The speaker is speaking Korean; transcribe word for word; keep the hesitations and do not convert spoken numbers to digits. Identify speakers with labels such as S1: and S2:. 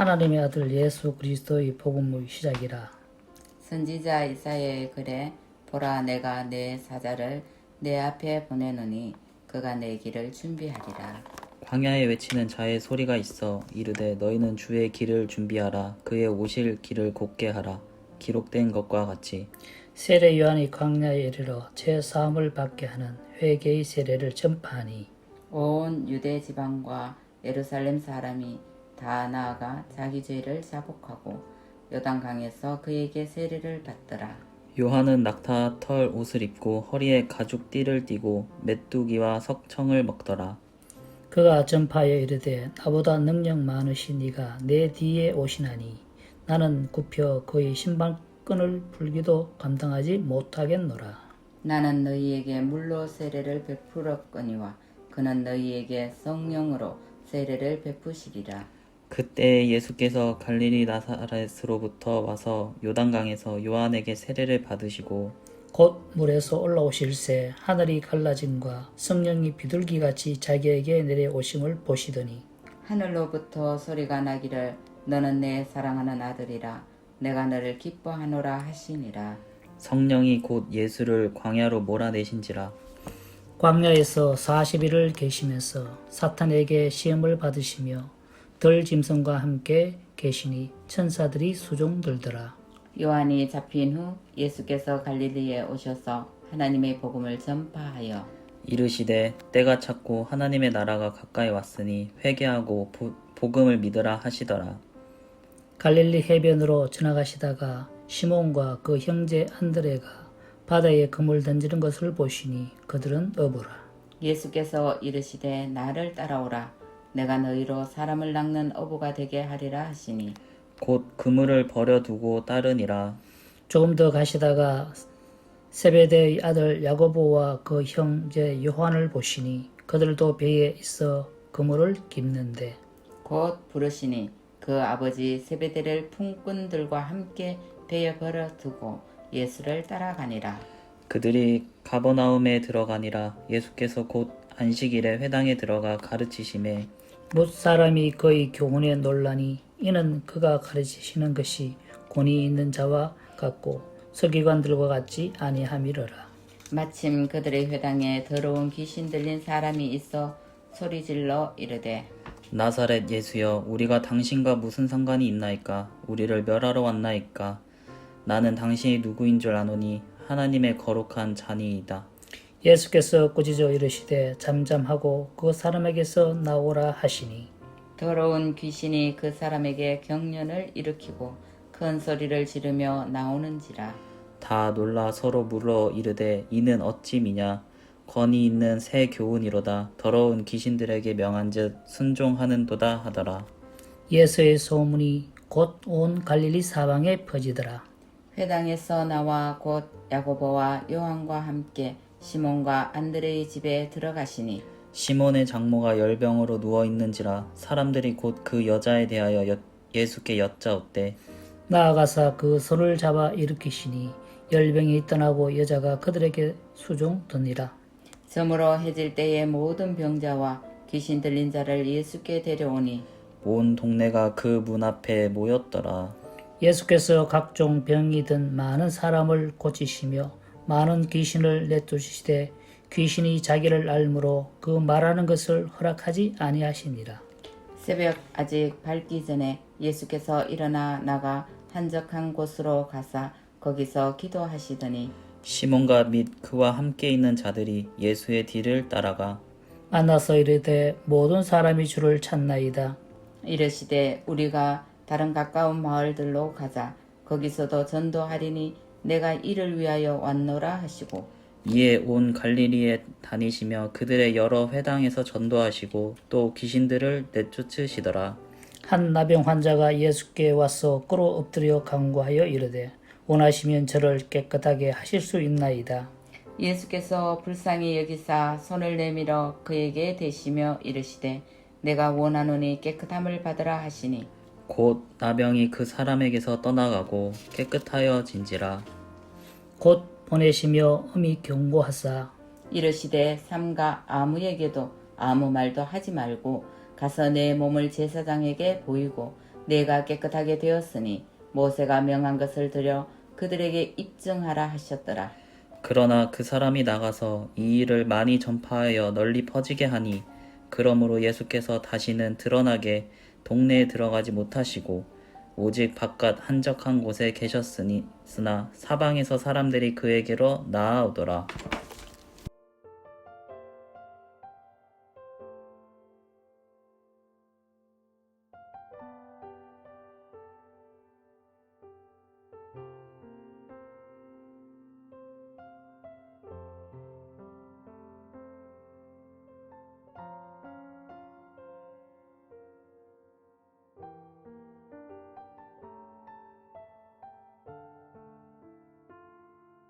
S1: 하나님의 아들 예수 그리스도의 복음의 시작이라.
S2: 선지자 이사야의 글에 보라 내가 내 사자를 내 앞에 보내노니 그가 내 길을 준비하리라.
S3: 광야에 외치는 자의 소리가 있어 이르되 너희는 주의 길을 준비하라. 그의 오실 길을 곧게 하라. 기록된 것과 같이
S1: 세례 요한이 광야에 이르러 죄 사함을 받게 하는 회개의 세례를 전파하니
S2: 온 유대 지방과 예루살렘 사람이 다 나아가 자기 죄를 자복하고 요단강에서 그에게 세례를 받더라.
S3: 요한은 낙타 털 옷을 입고 허리에 가죽 띠를 띠고 메뚜기와 석청을 먹더라.
S1: 그가 전파하여 이르되 나보다 능력 많으신 이가 내 뒤에 오시나니 나는 굽혀 그의 신발끈을 풀기도 감당하지 못하겠노라.
S2: 나는 너희에게 물로 세례를 베풀었거니와 그는 너희에게 성령으로 세례를 베푸시리라.
S3: 그때 예수께서 갈릴리 나사렛으로부터 와서 요단강에서 요한에게 세례를 받으시고
S1: 곧 물에서 올라오실새 하늘이 갈라짐과 성령이 비둘기같이 자기에게 내려오심을 보시더니
S2: 하늘로부터 소리가 나기를 너는 내 사랑하는 아들이라 내가 너를 기뻐하노라 하시니라.
S3: 성령이 곧 예수를 광야로 몰아내신지라.
S1: 광야에서 사십 일을 계시면서 사탄에게 시험을 받으시며 덜 짐승과 함께 계시니 천사들이 수종들더라.
S2: 요한이 잡힌 후 예수께서 갈릴리에 오셔서 하나님의 복음을 전파하여
S3: 이르시되 때가 찼고 하나님의 나라가 가까이 왔으니 회개하고 보, 복음을 믿으라 하시더라.
S1: 갈릴리 해변으로 지나가시다가 시몬과 그 형제 안드레가 바다에 그물 던지는 것을 보시니 그들은 어부라.
S2: 예수께서 이르시되 나를 따라오라 내가 너희로 사람을 낚는 어부가 되게 하리라 하시니
S3: 곧 그물을 버려두고 따르니라.
S1: 조금 더 가시다가 세베대의 아들 야고보와 그 형제 요한을 보시니 그들도 배에 있어 그물을 깁는데
S2: 곧 부르시니 그 아버지 세베대를 품꾼들과 함께 배에 버려두고 예수를 따라가니라.
S3: 그들이 가버나움에 들어가니라. 예수께서 곧 안식일에 회당에 들어가 가르치심에
S1: 뭇사람이 그의 교훈에 놀라니 이는 그가 가르치시는 것이 권위 있는 자와 같고 서기관들과 같지 아니함이러라.
S2: 마침 그들의 회당에 더러운 귀신 들린 사람이 있어 소리질러 이르되
S3: 나사렛 예수여 우리가 당신과 무슨 상관이 있나이까? 우리를 멸하러 왔나이까? 나는 당신이 누구인 줄 아노니 하나님의 거룩한 자니이다.
S1: 예수께서 꾸짖어 이르시되 잠잠하고 그 사람에게서 나오라 하시니
S2: 더러운 귀신이 그 사람에게 경련을 일으키고 큰 소리를 지르며 나오는지라.
S3: 다 놀라 서로 물어 이르되 이는 어찌 미냐? 권위 있는 새 교훈이로다. 더러운 귀신들에게 명한즉 순종하는도다 하더라.
S1: 예수의 소문이 곧 온 갈릴리 사방에 퍼지더라.
S2: 회당에서 나와 곧 야고보와 요한과 함께 시몬과 안드레의 집에 들어가시니
S3: 시몬의 장모가 열병으로 누워 있는지라. 사람들이 곧 그 여자에 대하여 여, 예수께 여짜옵되
S1: 나아가사 그 손을 잡아 일으키시니 열병이 떠나고 여자가 그들에게 수종드니라.
S2: 저물어 해질 때에 모든 병자와 귀신 들린 자를 예수께 데려오니
S3: 온 동네가 그 문 앞에 모였더라.
S1: 예수께서 각종 병이 든 많은 사람을 고치시며 많은 귀신을 내쫓으시되 귀신이 자기를 알므로 그 말하는 것을 허락하지 아니하시니라.
S2: 새벽 아직 밝기 전에 예수께서 일어나 나가 한적한 곳으로 가사 거기서 기도하시더니
S3: 시몬과 및 그와 함께 있는 자들이 예수의 뒤를 따라가
S1: 만나서 이르되 모든 사람이 주를 찾나이다.
S2: 이르시되 우리가 다른 가까운 마을들로 가자. 거기서도 전도하리니 내가 이를 위하여 왔노라 하시고
S3: 이에 온 갈릴리에 다니시며 그들의 여러 회당에서 전도하시고 또 귀신들을 내쫓으시더라.
S1: 한 나병 환자가 예수께 와서 꿇어 엎드려 간구하여 이르되 원하시면 저를 깨끗하게 하실 수 있나이다.
S2: 예수께서 불쌍히 여기사 손을 내밀어 그에게 대시며 이르시되 내가 원하노니 깨끗함을 받으라 하시니
S3: 곧 나병이 그 사람에게서 떠나가고 깨끗하여진지라.
S1: 곧 보내시며 엄히 경고하사
S2: 이르시되 삼가 아무에게도 아무 말도 하지 말고 가서 내 몸을 제사장에게 보이고 내가 깨끗하게 되었으니 모세가 명한 것을 들여 그들에게 입증하라 하셨더라.
S3: 그러나 그 사람이 나가서 이 일을 많이 전파하여 널리 퍼지게 하니 그러므로 예수께서 다시는 드러나게 동네에 들어가지 못하시고 오직 바깥 한적한 곳에 계셨으니 쓰나 사방에서 사람들이 그에게로 나아오더라.